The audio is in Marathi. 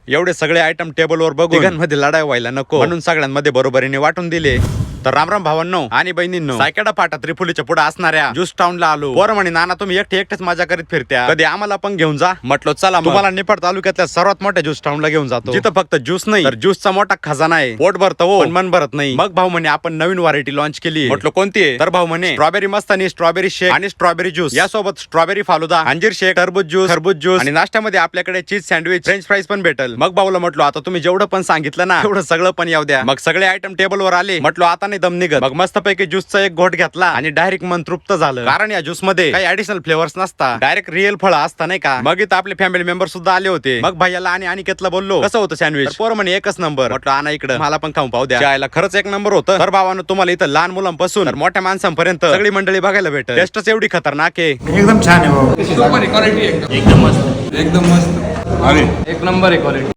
एवढे सगळे आयटम टेबलवर बघून तिघांमध्ये लढाई व्हायला नको म्हणून सगळ्यांमध्ये बरोबरीने वाटून दिले. तर रामराम भावांनो आणि बहिणींनो, सायकडा फाटा त्रिफुलीच्या पुढे असणाऱ्या ज्यूस टाउनला आलो. पोरं म्हणे नाना तुम्ही एकटेच मजा करीत फिरत्या, कधी आम्हाला पण घेऊन जा. म्हटलो चला तुम्हाला निफाड तालुक्यातल्या सर्वात मोठ्या ज्यूस टाउनला घेऊन जातो, जिथं फक्त ज्यूस नाही तर ज्यूसचा मोठा खजाना आहे. पोट भरतं हो पण मन भरत नाही. मग भाऊ म्हणे आपण नवीन व्हरायटी लॉन्च केली. म्हटलो कोणती आहे? तर भाऊ म्हणे स्ट्रॉबेरी मस्तानी, स्ट्रॉबेरी शेक आणि स्ट्रॉबेरी ज्यूस, यासोबत स्ट्रॉबेरी फालुदा, अंजीर शेक, टरबूज ज्यूस, खरबूज ज्यूस आणि नाश्त्यामध्ये आपल्याकडे चीज सँडविच, फ्रेंच फ्राईज पण भेटल. मग भाऊला म्हटलो आता तुम्ही जेवढं पण सांगितलं ना तेवढं सगळं पण येऊ द्या. मग सगळे आयटम टेबलवर आले. म्हटलो आता नाही दम निघत. मग मस्तपैकी ज्यूसचा एक घोट घेतला आणि डायरेक्ट मन तृप्त झालं, कारण या ज्यूस मध्ये काही ऍडिशनल फ्लेवर्स नसता, डायरेक्ट रिअल फळ असता नाही का. मग इथं आपले फॅमिली मेंबर सुद्धा आले होते. मग भैयाला आणि अनिकेतला बोललो कसं होतं सँडविच? पोर म्हणे एकच नंबर. म्हटलं आणा इकडं मला पण खाऊन पाहू द्या. जायला खरंच एक नंबर होतं. तर भावानं तुम्हाला इथं लहान मुलांपासून तर मोठ्या माणसांपर्यंत सगळी मंडळी बघायला भेटेल. टेस्टच एवढी खतरनाक आहे. एकदम छान आहे भाऊ. सुपर क्वालिटी एकदम एकदम मस्त. एकदम मस्त. अरे एक नंबर आहे क्वालिटी.